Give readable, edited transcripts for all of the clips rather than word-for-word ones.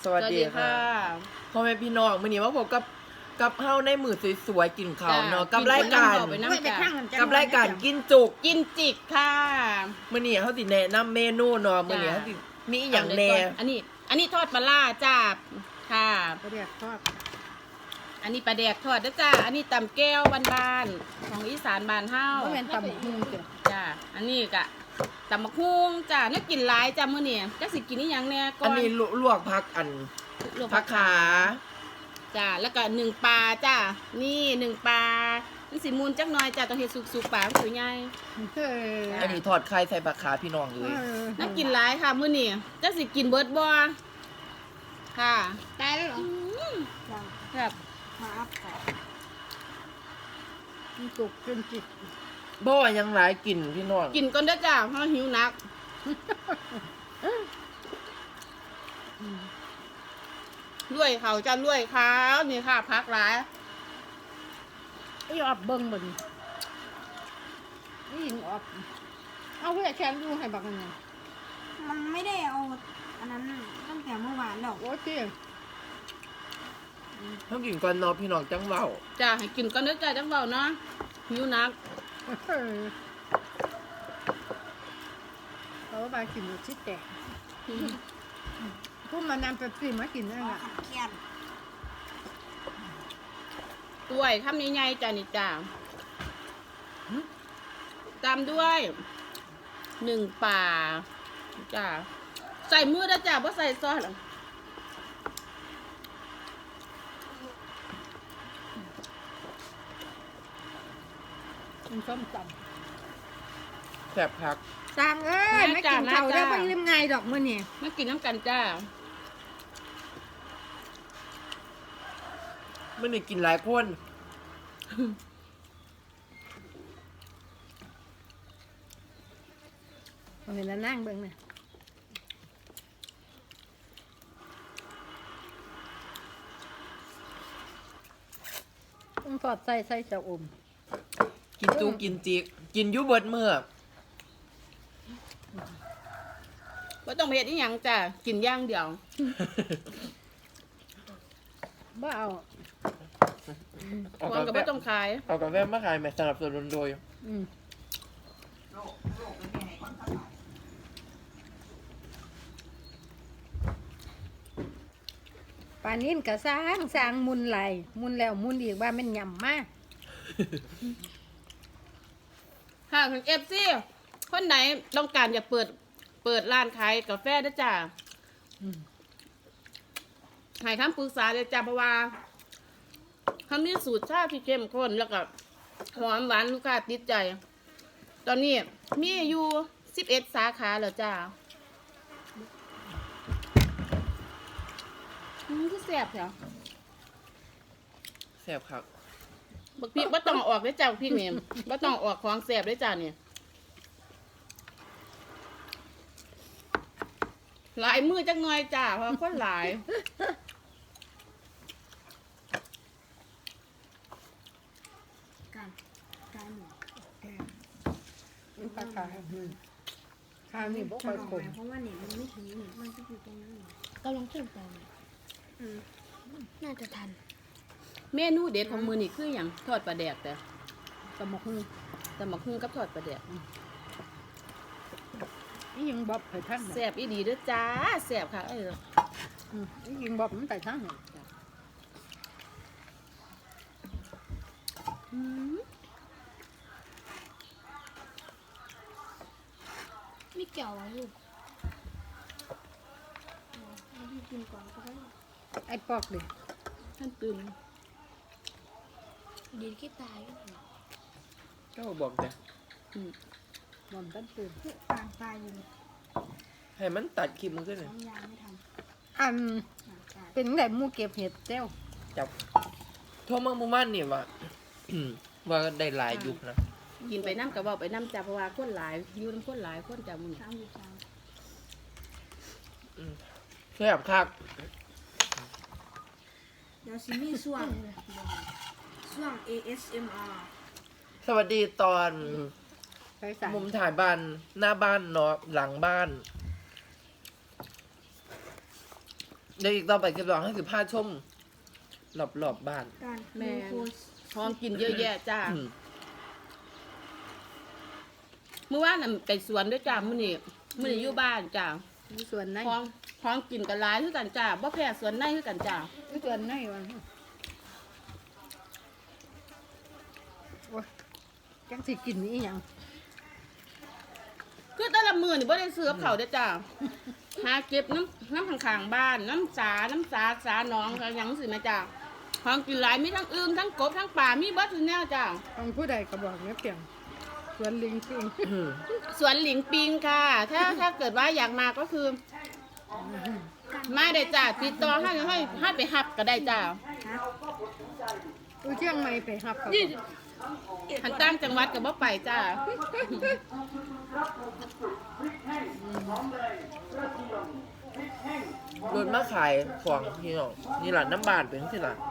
สวัสดีค่ะพ่อแม่พี่น้องมื้อนี้มาพบกับเฮาในมื้อสวยๆกินข้าวเนาะกับรายการกินจุกกินจิกค่ะมื้อนี้เฮาสิแนะนำเมนูเนาะมื้อนี้เฮาสิมีอีหยังแหน่อันนี้ทอดปลาล่าจ้าค่ะปลาแดกทอดอันนี้ปลาแดกทอดนะจ้าอันนี้ตำแก้วบ้านๆของอีสานบ้านเฮาเพราะเป็นตำบักหุ่งจ้ะจ้าอันนี้ก็ตำมะฮุ่งจ้าน่ากินหลายจ้ามื้อนี้จักสิกินอีหยังแน่ก่ออันนนี้ลวกผักผักขาจ้าแล้วก็หนึ่งปลาจ้านี่หนึ่งปลามันสิมูลจักหน่อยจ้าต้องเฮ็ดสุกๆปลามันสวยใหญ่อันนี้ทอดไข่ใส่ผักขาพี่น้องเลยน่ากินหลายค่ะมื้อนี้จักสิกินเบิดบ่ค่ะตายแล้วเหรอแบบมาอัพค่ะมันจุกจนจิตบ่ว่าหยังหลายกินพี่น้องกินก่อนเด้อจ้าเพราะหิวนักรวยเขาจะรวยเขานี่ค่ะพักหลายไอ้ออบเบิ้งบนนี่ยิงออบเอาเพื่อแชมป์ดูให้บักมันไงมันไม่ได้เอาอันนั้นตั้งแต่เมื่อวานหรอกโอ้เจ๊ต้องกินก่อนเนาะพี่น้องจังเว้าจ้าให้กินก่อนเด้อจ้าจังเบาเนาะหิวนักเขาว่ากินชิดแตกพวกมันนำไปปีมากินนั่นแหละขัดเคียนด้วยคำใหญ่ๆจ้านี่จ้าตามด้วยหนึ่งป่าจ้าใส่มือเด้อจ้าเพราะใส่ซอสหรอกมันส้มตแซ่บคักำสั่งเอ้ยไม่กินเขาได้ไม่ลืมไงดอกมื่อนี่มากินน้ำกันจ้ามื้อนี้กินหลายคนเห็นแล้วนั่งเบิ้งเนี่ยต้องทอดใส่เจ้าอมกินจุกกินจิกกินอยู่เบิดมื้อว่าต้องไปเฮ็ดอีหยังจ้ากินอย่างเดียวบ่เอาเอาควรกากับแฟว่าต้องขายเอากาแฟมาขายแม่สนับสนุนโดยอืมปลานิ่นก็สร้างมุนไหลมุนแล้วมุนอีกว่ามันยำมากค่ะคุณFCคนไหนต้องการจะเปิดร้านขายกาแฟนะจ้าให้คำปรึกษาเลยจ้าเพราะว่าเขามีสูตรชาที่เข้มข้นแล้วก็หอมหวานลูกค้าติดใจ ตอนนี้มีอยู่11 สาขาแล้วจ้าคือแซ่บเหรอแซ่บคักบักพริกบ่ต้องออกได้อจ้าบักพริกนี่บ่ต้องออกของแซ่บได้อจ้าเนี่ยหลายมือจักหน่อยจ้าเพราะว่าคนหลายการหมูปลาขาวข้าวนี่บ่ค่อยขมเพราะว่าเนี่ยมันไม่ถึงเนี่ยมันจะอยู่ตรงนั้นเนี่ยกำลังขึ้นไปเนี่ย น่าจะทันเมนูเด็ดของมือนี่คืออย่างทอดปลาแดกแต่ตำบักหุ่งแต่หมักหุ่งกับทอดปลาแดกนี่ยิงบ๊อบไปทั้งแซ่บอีดีเด้อจ้าแซ่บค่ะเอ้ยนี่ยิงบ๊อบมันไปทั้งเนี่ยอืมไม่เกี่ยวอะไรลูกเอาพี่กินก่อนก็ได้ไอ้ปอกดิท่านตื่นดีที่ตายก็ได้ก็บอกแต่บอมตั้งตื่นปางตายอยู่เนี่ยให้มันตัดคลิปมันขึ้นเลยน้ำยาไม่ทอันำปางตายเป็นไงหมูเก็บเห็ดเจ้าจับโทรมาหมู่บ้านนี่ว่า ว่าได้หลายยุคนะกินไปน้ำกับว่าไปน้ำจ้าเพราะว่าคนหลายอยู่น้ำคนหลายคนจ้ามือสามอยู่สามแซ่บคักเดี๋ยวซิมี่ช่วง ASMR สวัสดีตอนใส่สารมุมถ่ายบ้านหน้าบ้านเนาะหลังบ้านเดี๋ยวอีกต่อไปคลิปต่อให้15ชมรอบบ้านการแม่โค้ชพร้อมกินเยอะแยะจ้าอืมเมื่อวานน่ะไปสวนด้วยจ้ามื้อนี้อยู่บ้านจ้ามีส่วนไหนพร้อมกินกันหลายคือกันจ้าบ่แพ้สวนในคือกันจ้ามีส่วนไหนวะโอ้ยจังสิกินอีหยังคือแต่ละมื้อนี่บ่ได้ซื้อกับเขาวเด้อจ้าหาเก็บน้ำข้างๆบ้านน้ำสาสาหนองอะไรหยังสิแม่จ้าพร้อมกินหลายมีทั้งอึ่งทั้งกบทั้งปลามีเบิดทุกแนวจ้าของผู้ใดก็บอกเนี่ยเปลี่ยนส่วนลิงปิงอืมสวนหลิงปิงค่ะ ถ้าเกิดว่าอยากมาก็คือ มาได้จ้าติดต่อให้ไปหับก็ได้จ้าอุเชียงใหม่ไปหับเขานี่หันตั้งจังหวัดกับบ่ไปจ้ารถมาขายของพี่น้องนี่หลานน้ำบานเป็นที่หลาน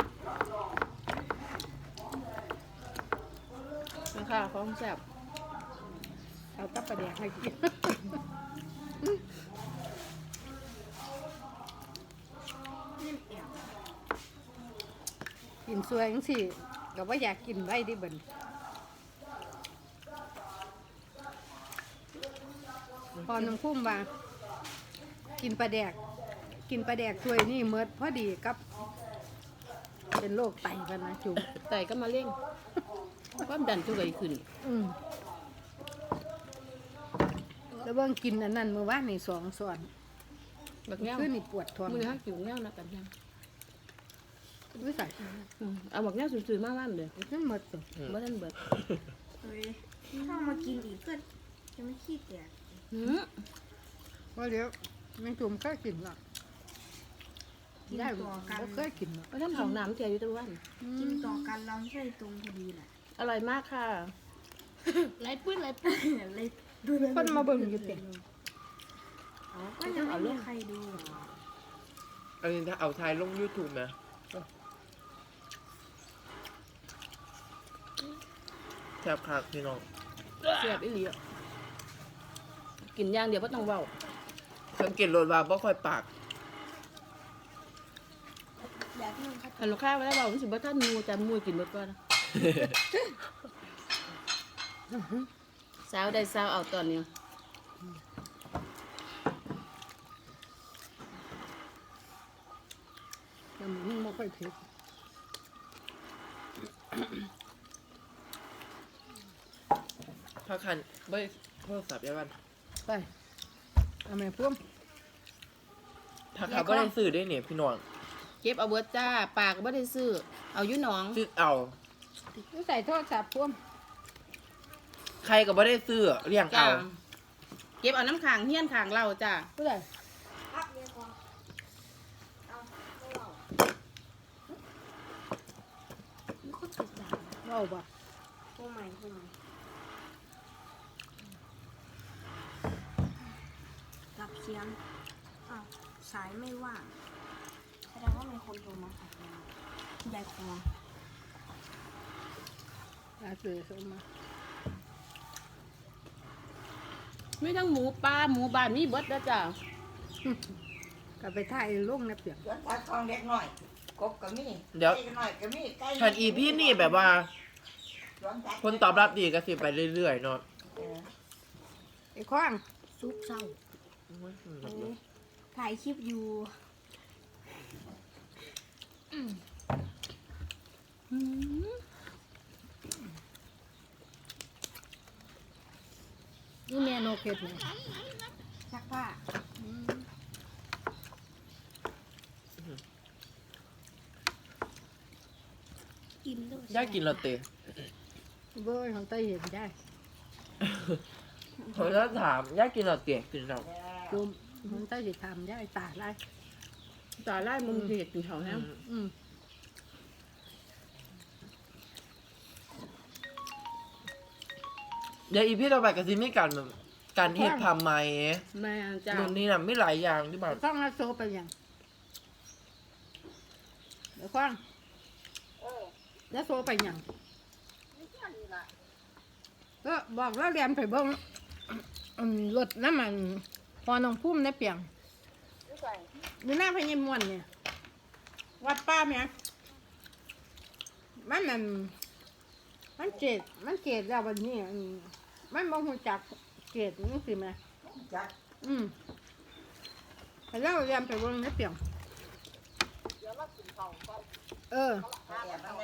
ค่ะของแซ่บเอากับประเดี๋ยวให้กินกินสวยจังสิก็ว่าอยากกินไว้ดิเบิ่นพอน้องพุ่มว่ากินปลาแดกถ้วยนี่เมิดพอดีกับ เป็นโรคไตกันนะจุ๋มไต่ก็มาเร่งความดันทุกข์ขึ้นแล้วเบิ่งกินอันนั้นเมื่อวานนี่2 ส่วนแบบเนี้ยคือนี่ปวดท้องมือห้าจิ๋วเนี้ยนะกันยังวิสัยเอาแบบเนี้ยสื่อๆมากๆเลยมันหมดตัวบ่ทันเบิดเฮ้ยถ้ามากินอีกก็จะไม่ขี้เกียจหืมว่าเดี๋ยวแมงจุ่มเคยกินหรอกกินได้ต่อกันบ่เคยกินหรอกบ่ทันของน้ำเจียอยู่ทุกวันกินต่อกันลำไส้ตรงพอดีแหละอร่อยมากค่ะไรปื้นเลยดูเลยคนมาเบิ่งอยู่เต็มก็ยังไม่มีใครดูอันนี้ถ้าเอาทายลง YouTube นะแซ่บคักพี่น้องแซ่บอีหลีอะกินอย่างเดียวบ่ต้องเว้าสังเกตรถว่าบ่ค่อยปากแบบนึงครับถ้าลูกค้าบ่ได้เว้ามันสิบ่ทันหมู่จะหมู่กินเบิดก่อนนะสาวได้สาวเอาตอนนี้แต่มันบ่ค่อยเผ็ดพาคันเบ้ยโทรศัพท์ยาวันไปเอาแม่พุ่มถ้าเขาก็ได้ซื้อได้เนี่ยพี่น้องเก็บเอาเบิดจ้าปากก็บ่ได้ซื้อเอาอยู่หนองซื้อเอาวิสัยโทษจับพุ่มใครก็บ่ได้ซื้อเลี้ยงจ้าเอาเก็บเอาน้ำขังเฮี้ยนขังเราจ้าผู้ใดมันก็ติดด่าเว้าบ่โอ้ไม่รับเสียงอ้าวสายไม่ว่างแสดงว่ามีคนโทรมาหายายคออาเสือส่งมามีทั้งหมูปลาหมูบ้านมีเบิดแล้วจ้าก็ไปถ่ายลงนะเปียกสวนปลาทองเล็กหน่อย กบก็มีเดี๋ยวไก่น้อยก็มีไก่คันอีพี่นี่แบบว่าสวนสัตว์คนตอบรับดีก็สิไปเรื่อยๆเนาะเออไอ้ข้างซุกเศร้าถ่ายคลิปอยู่นี่แม่โนเก็ตนี่ซักผ้ากินด้วยย่ากินลาเต้เบ้ยของไต้เห็นได้เขาจะถามย่ากินลาเต้กินเราจุ่มของไต้สิทำได้ตาไล่ตาไล่มึงเด็กกินเขาแห้งอืมเดี๋ยวอีพี่ต่อไปก็สิมีการแบบการเฮ็ดทำไหมแม่จ้ารุ่นนี้น่ะไม่หลายอย่างที่แบบข้างแล้วโซไปยังเดี๋ยวข้างแล้วโซไปยังก็บอกแล้วเรียนไปเบิ่งรถน้ำมันพอน้องพุ่มได้เปียงอยู่หน้าพญามวนเนี่ยวัดป้าแม่มันเกตแล้ววันนี้มันบ่ฮู้จักเกตนี่สิแม่จักไปแล้วเรียนไปเบิ่งในเปียงเออแอบมันแน่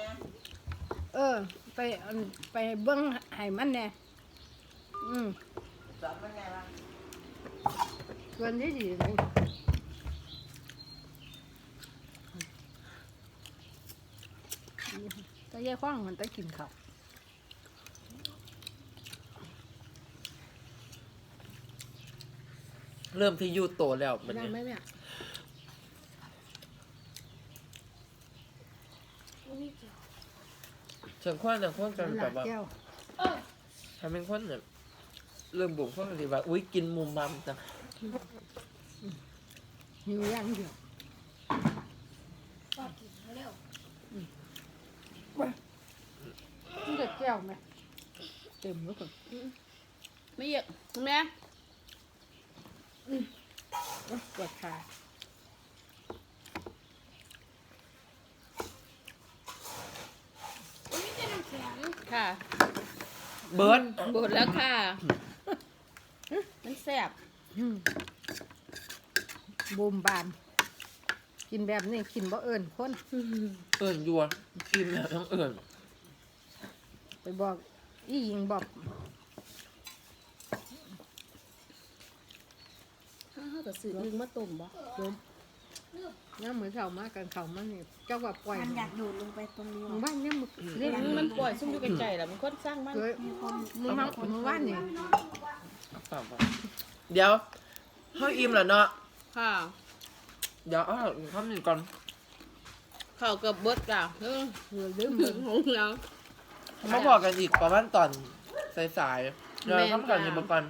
ไปเบิ่งให้มันแน่สอนมันแน่ว่าชวนดีๆเลยตะเย่ข้องมันตะกินข้าวเริ่มที่ยูโตแล้วมันได้นี้ไหมแม่ฉันคว้าแต่คนกันหแบลาบว่าแก้วทำเป็นคนเนี่ยเริ่มบุกคนดีว่าอุ้ยกินมุมมัมจังหิวอย่างเดียวก็กินเร็วมันจะแก้วไหมเต็มแล้วก็ไม่เยอะแม่ปวดขาอุ้ยจะน้ำแข็งค่ะเบิร์ดบดแล้วค่ะ มันแซ่บบูมบาม กินแบบนี้กินบ่เอิญคนเอิ่นยัวกินแล้วต้องเอิ่นไปบอกอีหญิงบอกถ้าเกิดซื้ออึ่งมาต้มบ่โยมน้ำมือเข่ามากันเข่ามาเนี่ยเจ้าว่าปล่อยมันอยากโดดลงไปตรงนี้มึงว่ะบ้านเนี่ยมึงเรียกมันปล่อยซุ่มอยู่ไกลๆแหละมันคนสร้างมันเคยมึงบ้านเนี่ยเปล่าเดี๋ยวเขาอิ่มแล้วเนาะค่ะเดี๋ยวเอาข้าวหนึ่งก่อนข้าวเกับเบิดจ้ะเออลืมหงแล้วมาบอกกันอีกประมาณตอนสายๆเดี๋ยวแม่นทำก่อนค่ะอย่ามาก่อน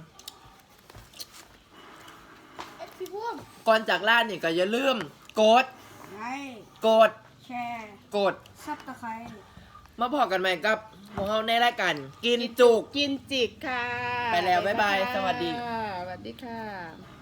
เอ็ดพี่พุ่มก่อนจากร้านนี่ก็อย่าลืมกดไลค์กดแชร์กดซับตะไคร้มาพอกันใหม่กับพวกเราในรายการกินจุกกินจิกค่ะไปแล้วบ๊ายบายสวัสดีค่ะสวัสดีค่ะ